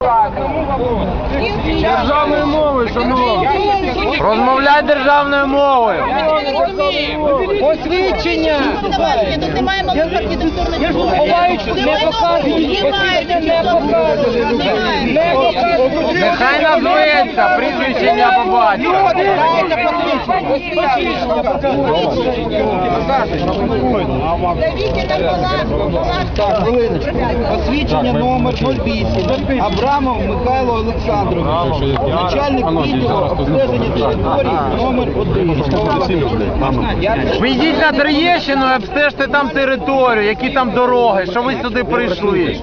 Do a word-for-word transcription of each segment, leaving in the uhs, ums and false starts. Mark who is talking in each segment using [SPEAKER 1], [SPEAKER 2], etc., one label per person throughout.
[SPEAKER 1] Державною мовою, шановні.
[SPEAKER 2] Розмовляй державною мовою.
[SPEAKER 1] Посвідчення.
[SPEAKER 3] Тут немає малих архітектурних форм.
[SPEAKER 1] Не показують. Посвідчення не показують. Не показують.
[SPEAKER 2] Нехай назветься, прізвище ім'я по батькові.
[SPEAKER 4] Так, хвилиночку. Посвідчення номер нуль вісім. Абрамов Михайло Олександрович. Начальник відділу обстеження території номер один.
[SPEAKER 2] Ви йдіть на Троєщину і обстежте там територію, які там дороги, що ви сюди прийшли.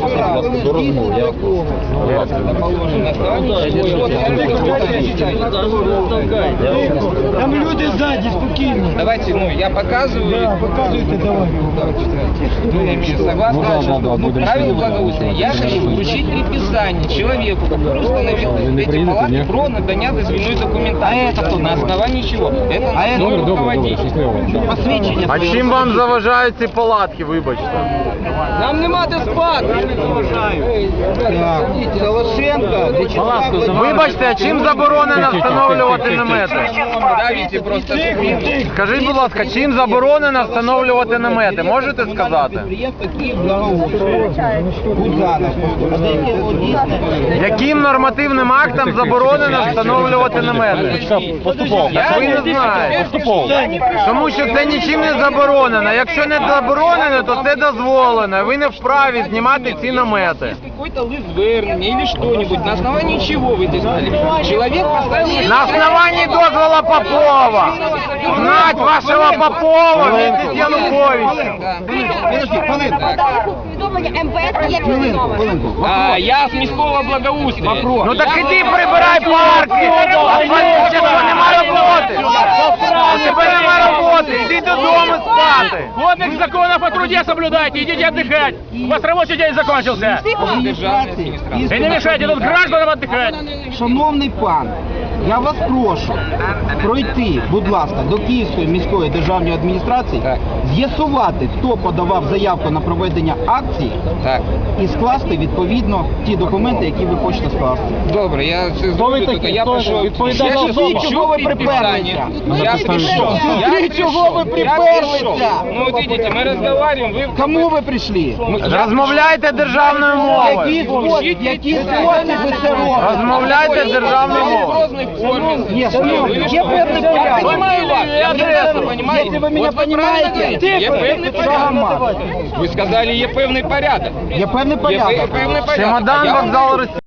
[SPEAKER 4] Там люди сзади, спокійно.
[SPEAKER 1] Давайте, ну, я показываю.
[SPEAKER 4] Показуйте, давай.
[SPEAKER 1] Согласно правилу благоустройства, я хочу вручить предписание человеку, который установил эти палатки про надання дозвільної документации. А это кто? На основании чего? Это а новый руководитель. Посвідчення.
[SPEAKER 2] А чим вам заважають ці палатки, вибачте?
[SPEAKER 1] Нам нема де спати.
[SPEAKER 4] Так, Солошенко, Вячеслав.
[SPEAKER 2] Вибачте, а чим заборонено встановлювати намети?
[SPEAKER 1] Давайте просто.
[SPEAKER 2] Скажіть, будь ласка, чим заборонено встановлювати намети? Можете сказати?
[SPEAKER 4] Підприємство Київ благоустрою. Гудзанов.
[SPEAKER 2] Яким нормативним актом заборонено встановлювати намети? Так ви не знаєте. Тому що це нічим не заборонено. Якщо не заборонено, то це дозволено. Ви не вправі знімати ці намети.
[SPEAKER 1] Есть какой-то лист звернення или что-нибудь, на основании чего вы это сказали? Человек поставил...
[SPEAKER 2] На основании дозвола Попова. Знать вашего Попова вместе с Януковичем.
[SPEAKER 3] Повідомлення ем ве ес є повідомлення.
[SPEAKER 1] А, я з міського благоустрою.
[SPEAKER 2] Ну так іди прибирай парки. А чого нема роботи? У тебе нема роботи. Іди додому спати.
[SPEAKER 5] Кодекс законов о труде соблюдайте, идите отдыхать. У вас рабочий день закончился. И не мешайте тут гражданам отдыхать.
[SPEAKER 4] Шановний пан, я вас прошу пройти, будь ласка, до Київської міської державної адміністрації, з'ясувати, хто подавав заявку на проведення акції
[SPEAKER 1] Так.
[SPEAKER 4] і скласти відповідно ті документи, які ви хочете скласти.
[SPEAKER 1] Добре, я це зроблю, тільки я прошу.
[SPEAKER 4] відповідальна особа? Чого ви приперлися?
[SPEAKER 1] Я прийшов. Я
[SPEAKER 4] Ти чого ви
[SPEAKER 1] прийшов. Я
[SPEAKER 4] приперлися?
[SPEAKER 1] прийшов. Ну, вот видите, мы разговариваем, вы...
[SPEAKER 4] Кому ви прийшли?
[SPEAKER 2] Розмовляйте державною мовою.
[SPEAKER 4] Які спосіб, які спосіб ви це робите?
[SPEAKER 2] Розмовляйте державною мовою.
[SPEAKER 4] Ні, шановні, є певний порядок.
[SPEAKER 1] Понимаю вас, я прекрасно понимаю.
[SPEAKER 4] Якщо ви мене
[SPEAKER 1] Вот вы правильно
[SPEAKER 4] розумієте,
[SPEAKER 1] говорите, є певний порядок. Ви сказали, є певний порядок.
[SPEAKER 4] Є певний
[SPEAKER 1] Є
[SPEAKER 4] порядок.
[SPEAKER 1] певний порядок.
[SPEAKER 2] Чемодан,
[SPEAKER 1] А я вам
[SPEAKER 2] вокзал, Росія.